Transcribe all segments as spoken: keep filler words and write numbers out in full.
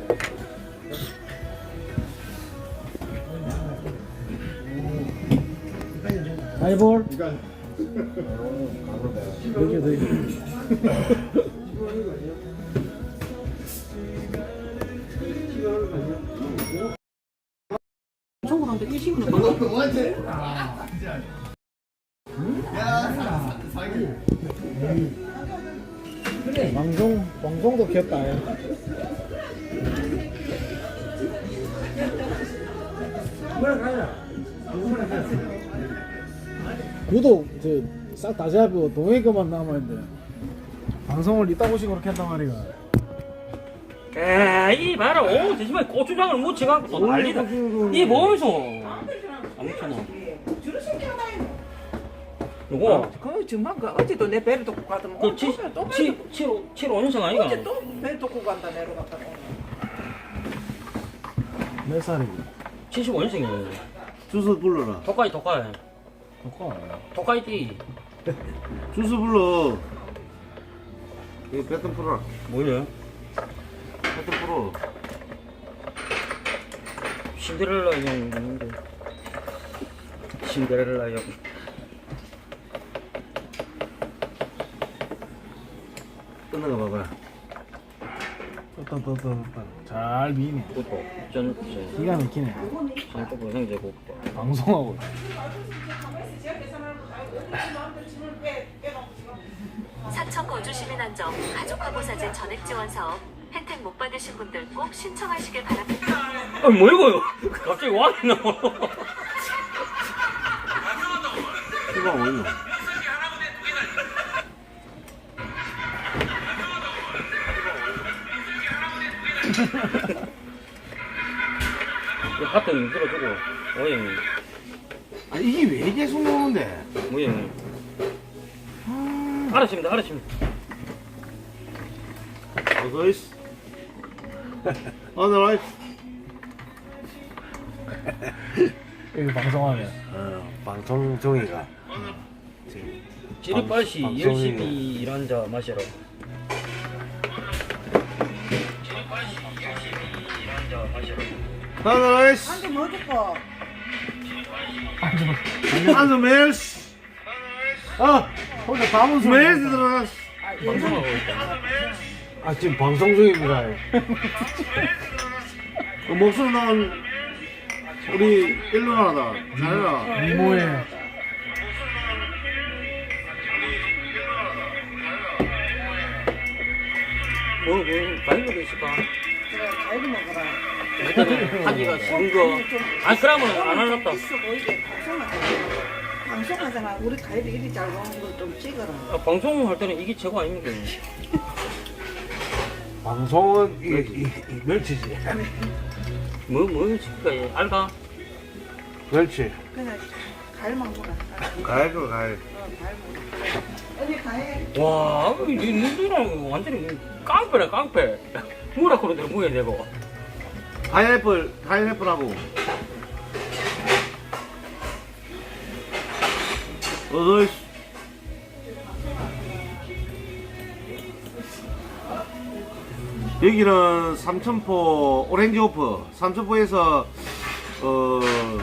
하이볼. 여기 더 있네. 총으로 일식으로 먹어. 방송 방송도 귀엽다. 구독 저싹 다 잡고 동해 거만 남아있는데 방송을 이따 식으로 캔단 말이야. 에이 봐라. 오 대신에 고추장을 묻혀갖고 또 난리다. 이 뭐면서 안 묻혀놔. 요거 그 정말 그 어제도 내 배를 돕고 가더만 그 치, 또 치, 칠, 칠, 오 년생 아이가? 어제 또 배를 돕고 간다 내려갔다 몇 살이고? 칠십오 년생이에요. 주소 불러라. 토카이 토카이 좋고. 토카이 띠 주소 불러. 이 배턴 풀어라. 뭐예요? 배턴 풀어. 신데렐라 형 있는데 신데렐라 형 끝난 거 봐봐. 떴다 떴다 떴다. 잘 미네. 그것도 전, 전 기가 막히네. 상급부 형제고 방송하고. 사천 거주 시민안정 가족화보 사진 전액 지원 사업 혜택 못 받으신 분들 꼭 신청하시길 바랍니다. 아 뭐 이거요? 갑자기 와 있나? 휴가 어디 있노? 이 하트 들어주고 뭐 형님 아 이게 왜 계속 나오는데? 뭐 형님 알았습니다 알았습니다. 어서 있어. 오늘 와이. 여기 방송하면. 어 방송 종이가. 지금 지리빨씨 방- 열심히 일한 자 마시라. 오늘 와이스. 한점 뭐 줄까? 한숨 멜스. 아, 혼자 방송. 멜스 들어갔어. 방송하고 있다. 아 지금 방송 중입니다. 그 목소리 나온 우리 일루나다. 잘해라. 미모에. 뭐, 뭐, 가위바위보 있을까? 그래 잘도 먹어라 일단은 하기가 쉬운 거. 아, 그러면 안 할랍다. 있어 보이게 방송하잖아 방송하잖아 우리 가이드 이리 잘 먹는 거 좀 찍어라 아, 방송할 때는 이게 최고 아닙니까? 방송은 이, 이, 이 멸치지. 뭐, 뭐, 시킬까, 얘? 알가? 멸치. 그냥 가일 먹어라 가야 거 가야. 어 가일 먹어라 어디 가일 와, 이 눈이랑 완전히 깡패네, 깡패. 뭐라 그러더라, 뭐야, 내가. 파인애플 파인애플하고. 어서 있어. 여기는 삼천포 오렌지 호프 삼천포에서 어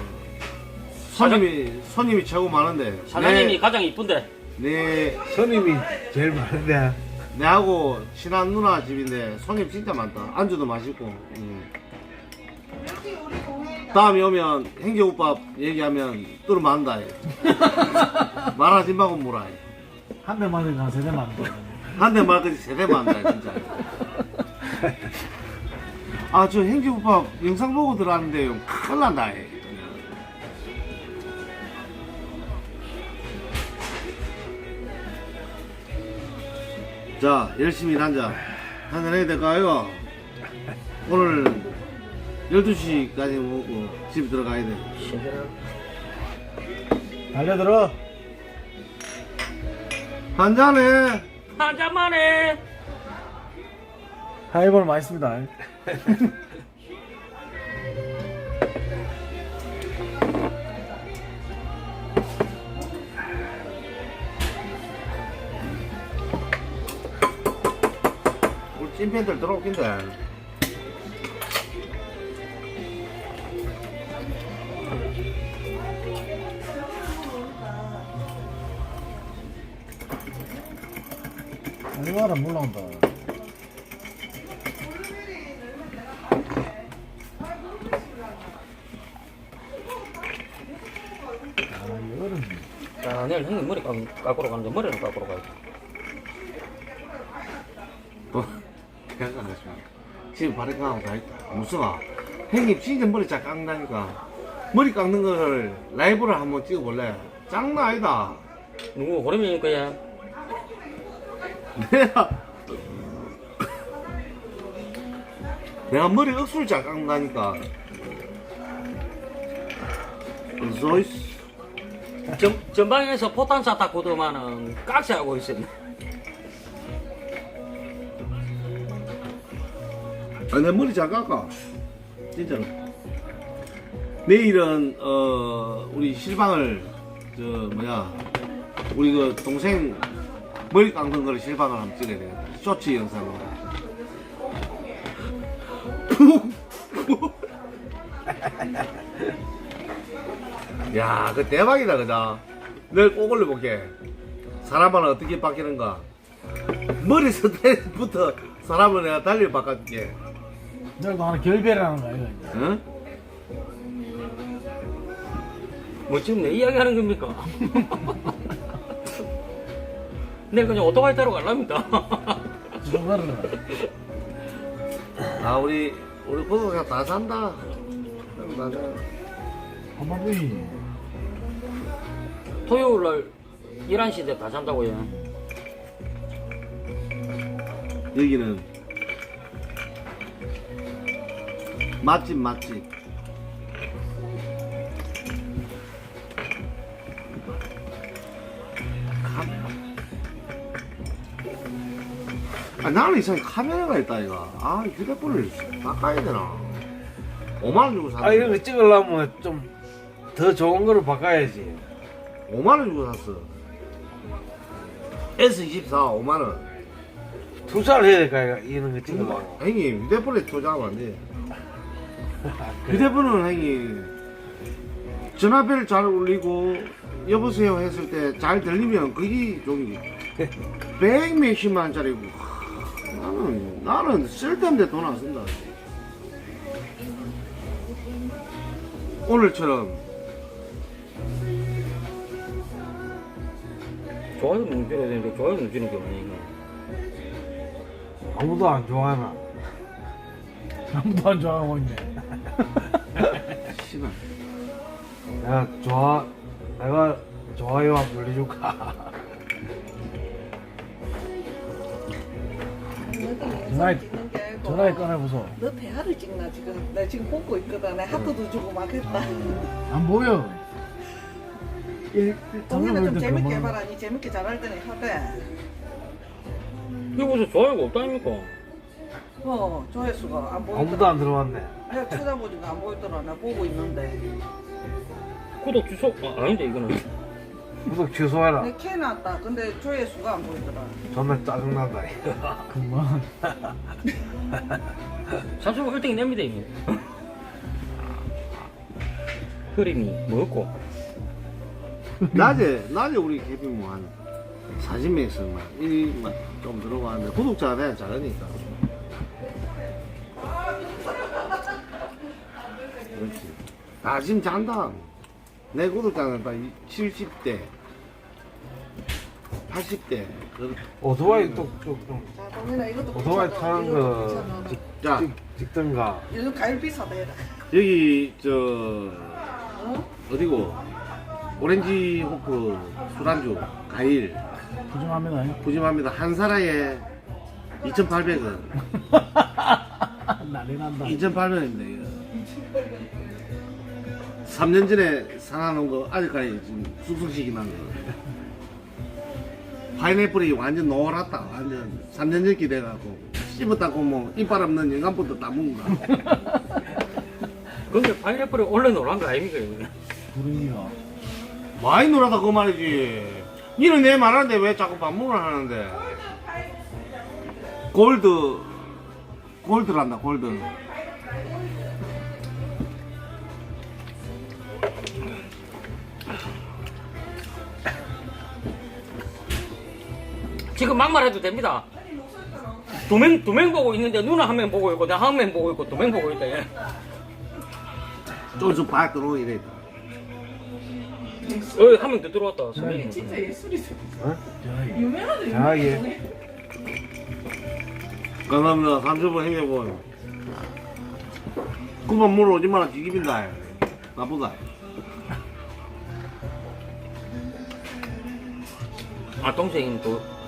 손님이 손님이 최고 많은데 사장님이 가장 이쁜데. 내, 손님이 제일 많은데. 내하고 친한 누나 집인데 손님 진짜 많다. 안주도 맛있고. 음. 다음에 오면 행제국밥 얘기하면 뚫어만다. 말하지 마고 뭐라. 한 대 맞으니까 세대 맞는 거. 한 대 말까지 세대 만다 진짜. 아 저 행제국밥 영상 보고 들어왔는데요 큰일 난다. 자 열심히 일한자 한잔 해야 될까요? 오늘 열두 시까지 먹고 집 들어가야 돼. 달려들어. 한잔해. 한잔만 해. 하이볼 맛있습니다. 우리 찐팬들 들어오긴데 생활은 몰라온다. 아, 이 어른. 자, 내일 형님 머리 깎, 깎으러 가는데 머리는 깎으러 가야지. 또 생각하겠습니다. 지금 바리깡하고 다 있다. 무슨아, 형님 진짜 머리 잘 깎는다니까. 머리 깎는 거를 라이브를 한번 찍어볼래? 장난 아니다. 누구 호름이일 거야? 내가 내가 머리 억수를 잘 깎는다니까. 그래서 이씨, 전, 전방에서 포탄 쐈다 고도만은 깍지하고 있었네. 아, 내 머리 잘 깎아. 진짜로. 내일은 어 우리 실방을 저 뭐야 우리 그 동생 머리 깎는 거를 실방을 한번 찍어야 되겠다. 쇼츠 영상으로. 야, 그 대박이다, 그자. 내일 꼭 올려볼게. 사람은 어떻게 바뀌는가. 머리 스타일부터 사람을 내가 달리 바꿔줄게. 내일도 하나 결별하는 거야, 이거 이제. 응? 뭐 지금 내 이야기 하는 겁니까? 내일 그냥 오토바이 타러 갈랍니다. 저거를. 아, 우리, 우리 구독자 다 산다. 맞아. 한번 보이. 토요일 날 열한 시대 다 잔다고요. 여기는 맛집, 맛집. 카... 아, 나는 이상하게 카메라가 있다, 이거. 아, 휴대폰을 바꿔야 되나? 오만 원 주고 샀어. 아 이런 거 찍으려면 좀 더 좋은 거를 바꿔야지. 오만 원 주고 샀어. 에스 이십사 오만 원. 투자를 해야 될까 이런 거 찍으려고. 형님, 휴대폰에 투자하면 안 돼. 휴대폰은 형님, 전화벨 잘 울리고, 여보세요 했을 때 잘 들리면 그게 좀, 백 몇십만 원짜리고, 나는, 나는 쓸데없는데 돈 안 쓴다. 오늘처럼, 좋아요 뭉쳐야 되는데 좋아요 뭉치는 게 없네 이거. 아무도 안 좋아하나. 아무도 안 좋아하고 있네. 씨발. 내가 좋아 내가 좋아요 한번 눌러줄까. 전화해, 찍는 게 아니고 전화해 꺼내보소. 너 대화를 찍나 지금 나 지금 보고 있거든. 내 하트도 주고 막 했다. 안 보여. 일, 동현아 좀 일- 재밌게 그만. 해봐라. 니 재밌게 잘할 때는 하대. 이거 무슨 좋아요가 없다니까. 어 조회수가 안 보이더라. 아무도 안 들어왔네. 내가 찾아보니까 안 보이더라. 나 보고 있는데. 구독 취소 아, 아닌데 이거는. 구독 취소해라. 내 캐 놨다. 근데 조회수가 안 보이더라. 정말 짜증난다. 그만. 삼십오 일 등이 냅니다 이미. 흐름이 뭐였고. 낮에, 낮에 우리 개빈 뭐 한 사십 명에서 막, 일만 좀 들어가는데, 구독자가 내가 작으니까. 그렇지. 아, 지금 잔다. 내 구독자는 다 칠십 대, 팔십 대. 그, 오토바이 또좀 자 동현아 이것도 오토바이 붙여줘. 타는 이것도 거 붙여줘. 찍, 자, 찍, 찍든가. 요즘 과일 비싸다 얘라. 여기, 저, 어? 어디고? 오렌지 호프 술안주, 과일, 부정합니다. 푸짐합니다. 한 사라에 이천팔백 원. 난리 난다. 이천팔백 원인데, 이거. 삼 년 전에 사놔놓은 거, 아직까지 지금 숙성시키 난 거. 파인애플이 완전 노랗다. 완전 삼 년 전기 돼갖고. 씹었다고 뭐, 이빨 없는 영감부터 다 먹는 거. 근데 파인애플이 원래 노란 거 아닙니까 이거? 부르니가. 많이 놀아다 그 말이지. 니는 내 말하는데 왜 자꾸 반문을 하는데. 골드, 골드란다, 골드. 지금 막말해도 됩니다. 두명 두 명 보고 있는데 누나 한 명 보고 있고 나 한 명 보고 있고 두 명 보고 있다 얘. 좀좀 봐 들어 이래. 어, 한 명 더 들어왔다. 선배님. 진짜 예술이죠. 어? 유명하죠. 자, 예. 유명해. 감사합니다. 삼십 번 행여보. 그만 물 오지 마라 뒤집인다. 나쁘다. 아 동생님 또